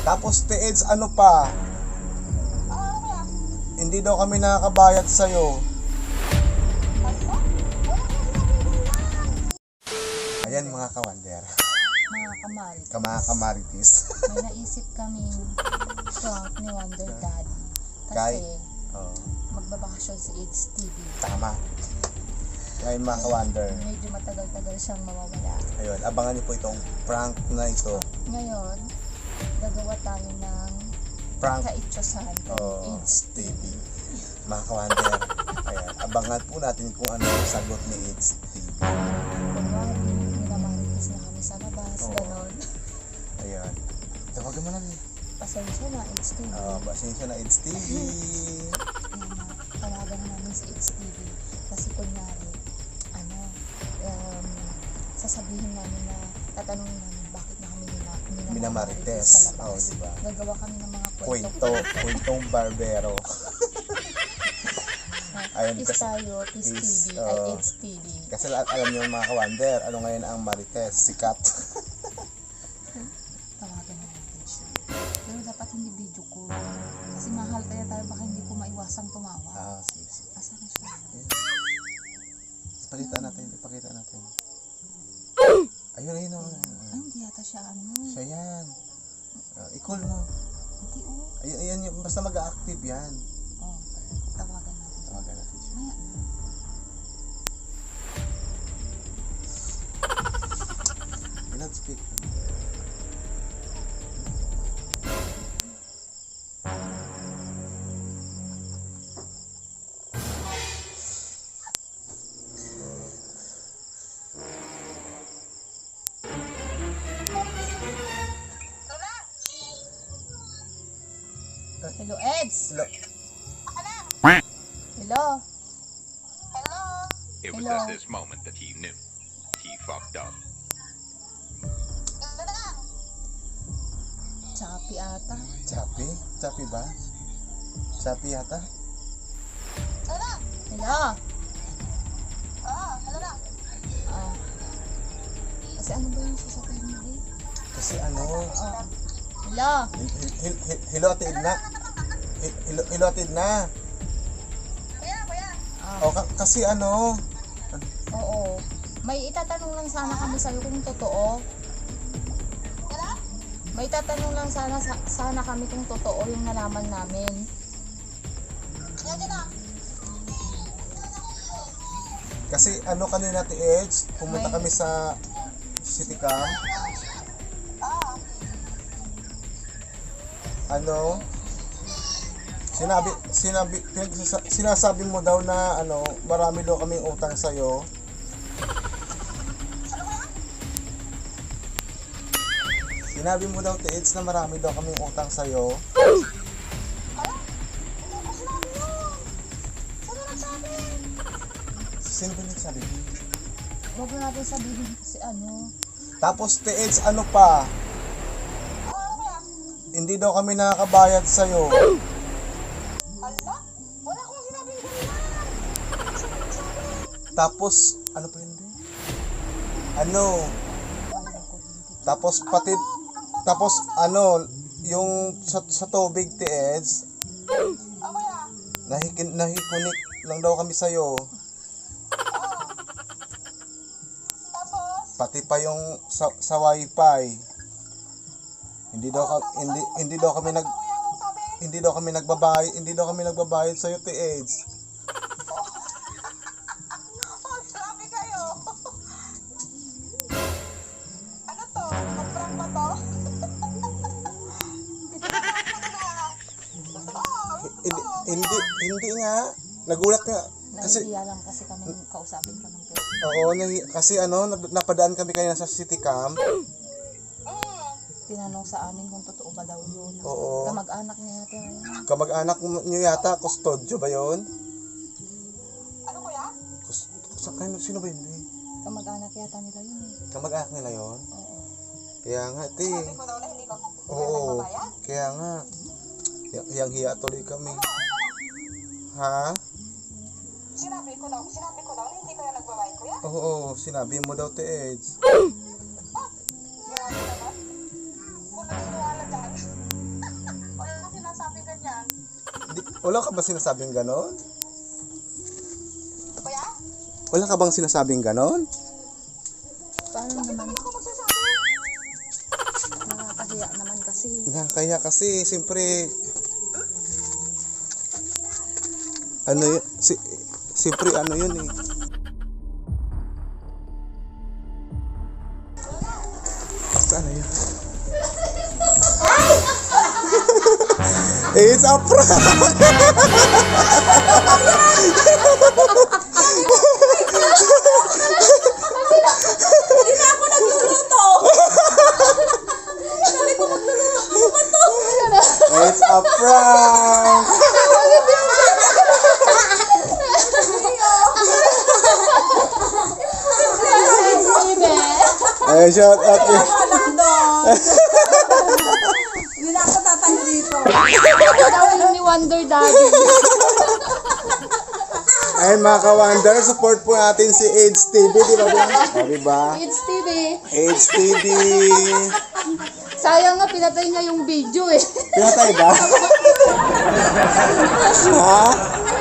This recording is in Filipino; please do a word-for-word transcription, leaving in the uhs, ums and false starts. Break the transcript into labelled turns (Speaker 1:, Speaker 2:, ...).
Speaker 1: Tapos Tieds, ano pa? Hindi daw kami nakakabayad sa'yo. Ayan mga kawander.
Speaker 2: Mga kamarites.
Speaker 1: Mga kamaritis.
Speaker 2: May naisip kaming prank ni Wonder Dad.
Speaker 1: Kay?
Speaker 2: Kasi
Speaker 1: Oh,
Speaker 2: magbabakasyon si It's T V.
Speaker 1: tama. Ngayon mga kawander.
Speaker 2: Medyo matagal-tagal siyang mawawala.
Speaker 1: Ayun, abangan niyo po itong prank na ito.
Speaker 2: Ngayon, gagawa tayo ng
Speaker 1: Prank.
Speaker 2: kaitsosan kay
Speaker 1: Oh,
Speaker 2: It's
Speaker 1: T V. Mga kawander. Ayan, abangan po natin kung ano yung sagot ni It's T V.
Speaker 2: Kunwari, minamarites na kami sa labas,
Speaker 1: Oo.
Speaker 2: ganon.
Speaker 1: Ayan. Tawagan mo na rin.
Speaker 2: Pasensya na, It's T V.
Speaker 1: Oh, pasensya na, It's T V.
Speaker 2: Ayan, tawagan namin si It's T V. Kasi kunyari, ano, um, sasabihin namin na, tatanungin namin bakit na kami nina, minamarites
Speaker 1: Minamarites.
Speaker 2: sa labas.
Speaker 1: Oh, diba?
Speaker 2: Gagawa kami ng mga
Speaker 1: Kwento,
Speaker 2: kwento.
Speaker 1: kwentong barbero. Ayun,
Speaker 2: Peace
Speaker 1: kasi-
Speaker 2: tayo, Peace
Speaker 1: Peace,
Speaker 2: T V, ay
Speaker 1: oh.
Speaker 2: It's T V.
Speaker 1: Kasi al- alam niyo mga kawander, ano ngayon ang marites? Sikat.
Speaker 2: Tawagan na natin siya. Pero dapat hindi video call. Kasi mahal kaya tayo, baka hindi ko maiwasang tumawa.
Speaker 1: Ah, sige, sige.
Speaker 2: Asa na siya?
Speaker 1: Ipakita natin, ipakita natin. Ayun, ayun, oh.
Speaker 2: Ay, hindi yata siya ano.
Speaker 1: Siya yan. Uh, i-call mo.
Speaker 2: Hindi oh.
Speaker 1: Ayun, ayan, yun. Basta mag-active yan.
Speaker 2: Oh, tawagan natin.
Speaker 1: Tawagan natin siya.
Speaker 2: Maya na.
Speaker 1: I-loudspeak.
Speaker 2: Hello, Eds!
Speaker 1: Hello.
Speaker 2: Hello?
Speaker 3: It was
Speaker 2: Hello.
Speaker 3: at this moment that he knew. He fucked up.
Speaker 2: Chappy ata.
Speaker 1: Chappy? Chappy ba? Chappy yata?
Speaker 2: Hello? Ah. Kasi ano ba yung sasabihin mo eh?
Speaker 1: Kasi ano,
Speaker 2: Oh. Hello?
Speaker 1: hil- hil- hil- hil- Hello, Ate Edna. Hil- Hello, hello, Ate Edna.
Speaker 2: Ah.
Speaker 1: O, ka- kasi ano,
Speaker 2: Oo. May itatanong lang sana kami sa'yo kung totoo. May itatanong lang sana sa- sana kami kung totoo yung nalaman namin.
Speaker 1: kasi ano kanina, Ate Edge, pumunta
Speaker 2: May-
Speaker 1: kami sa City Camp. Ano, sinabi, sinabi, pinagsasa- sinasabi mo daw na ano, marami daw kaming utang sa'yo. Sinabi mo daw, Ate Edge, na marami daw kaming utang sa'yo. Sino ba nagsabi?
Speaker 2: Huwag na natin sabihin kasi ano.
Speaker 1: Tapos, Ate Edge, ano pa? Hindi daw kami nakakabayad sa'yo. Tapos, ano pa yun? Be? Ano? Tapos pati, tapos ano, yung sa, sa tubig, Tieds, nahikin, nahikunik lang daw kami sa'yo. Pati pa yung sa, sa wifi. Hindi daw ka, hindi hindi daw kami nag hindi daw kami nagbabayad, hindi daw kami nagbabayad sa iyo, Tieds.
Speaker 4: Grabe kayo! Ano to? Kaprank ba to?
Speaker 1: Hindi hindi hindi nga nagulat nga kasi
Speaker 2: Nahihiya lang kasi kami kausapin ka ng pero.
Speaker 1: oo, nahi- kasi ano, nap- napadaan kami kanina sa City Camp.
Speaker 2: Tinanong sa amin kung totoo ba daw yun.
Speaker 1: Oo.
Speaker 2: Kamag-anak niya yata yun.
Speaker 1: Kamag-anak niyo yata, kustodyo ba 'yon?
Speaker 4: Ano kuya?
Speaker 1: Kus, sa kanino, sino ba yun? Be?
Speaker 2: Kamag-anak yata nila yun eh.
Speaker 1: Kamag-anak nila 'yon.
Speaker 2: Oo.
Speaker 1: Kaya nga, te.
Speaker 4: Sabi ko daw na hindi ko
Speaker 1: Oo.
Speaker 4: nagbabayad.
Speaker 1: Kaya nga. Y- yang hiya tuloy kami. Ha?
Speaker 4: Sinabi ko daw, sinabi ko daw na hindi kayo nagbabayad kuya.
Speaker 1: Oo, sinabi mo daw, Te Eds.
Speaker 4: Grabe naman. Kung naniniwala dyan.
Speaker 1: Wala ka ba sinasabing ganon?
Speaker 4: Kuya?
Speaker 1: Wala ka bang sinasabing ganon?
Speaker 2: Paano naman?
Speaker 4: Ako magsasabi.
Speaker 2: Nakakahiya naman kasi.
Speaker 1: Kaya kasi, siyempre, ano yun, si, siyempre ano yun eh. Saan na yun? It's a prank!
Speaker 2: Hindi na ako nagluluto! Sabi ko magluluto. Ano ba to?
Speaker 1: It's a prank! Ay, shout out eh.
Speaker 5: Anak doon. Hindi na ako tatayo dito.
Speaker 2: Gawin ni Wonder Daddy.
Speaker 1: Ayun mga ka-Wonder, support po natin si AIDS T V, di ba? O, di ba?
Speaker 2: It's T V.
Speaker 1: AIDS T V.
Speaker 2: Sayang nga, pinatay niya yung video eh.
Speaker 1: Pinatay ba? Ha?